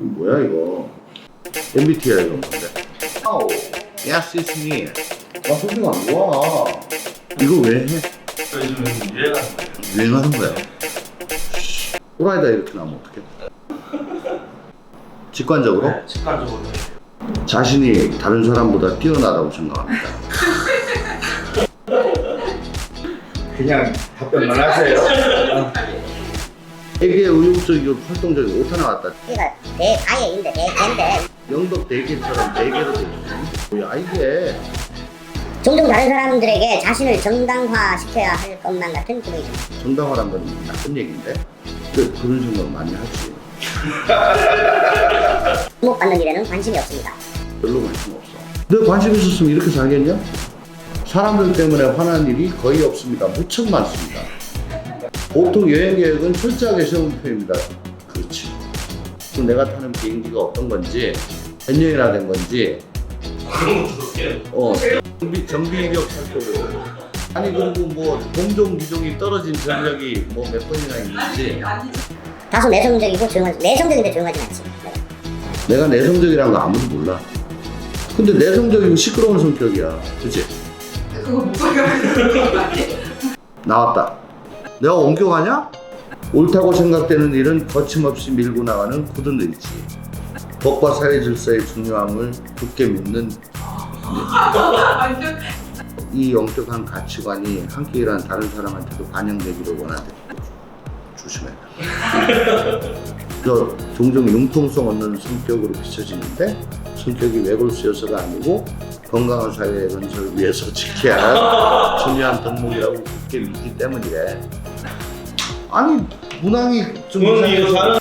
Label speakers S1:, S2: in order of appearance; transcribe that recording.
S1: 뭐야 이거? MBTI 이거 뭔데? 아우, yes it's me. 나 소리가 안 좋아. 이거 왜 해?
S2: 요즘 유행하는 거예요.
S1: 유행하는 거야. 또라이다 이렇게 나오면 어떡해? 직관적으로?
S2: 네, 직관적으로.
S1: 자신이 다른 사람보다 뛰어나다고 생각합니다.
S3: 그냥 답변만 하세요.
S1: 되게 의욕적이고 활동적이고 오타 나왔다.
S4: 그러니까 대가예인데 대개인데
S1: 영덕 대게처럼 대게로 돼 있어. 뭐야 이게?
S4: 종종 다른 사람들에게 자신을 정당화시켜야 할 것만 같은 기분이 듭니다.
S1: 정당화란 건 나쁜 얘기인데? 그런 생각 많이 하지.
S4: 주목받는 일에는 관심이 없습니다.
S1: 별로 관심 없어. 너 관심 있었으면 이렇게 살겠냐? 사람들 때문에 화난 일이 거의 없습니다. 무척 많습니다. 보통 여행 계획은 철저하게 세운 편입니다. 그렇지. 또 내가 타는 비행기가 어떤 건지, 몇 년이나 된 건지,
S2: 그런 것도 그렇게.
S1: 정비 이력 살펴보고. 아니 그리고 뭐 동종 기종이 떨어진 전력이 뭐 몇 번이나 있는지.
S4: 다소 내성적이고 내성적인데 조용하진 않지. 네.
S1: 내가 내성적이라는 거 아무도 몰라. 근데 내성적이고 시끄러운 성격이야. 그치?
S5: 그거 목소리가 아니에요?
S1: 나왔다. 내가 옮겨가냐? 옳다고 생각되는 일은 거침없이 밀고 나가는 굳은 의지. 법과 사회 질서의 중요함을 굳게 믿는
S5: 완전
S1: 이 영적한 가치관이 함께 일하는 다른 사람한테도 반영되기를 원하는 조심해. 저 종종 융통성 없는 성격으로 비춰지는데 성격이 외골수여서가 아니고 건강한 사회 건설을 위해서 지켜야 할 중요한 덕목이라고 굳게 믿기 때문이래. 아니 문항이 좀
S2: 부모님
S1: 이상해서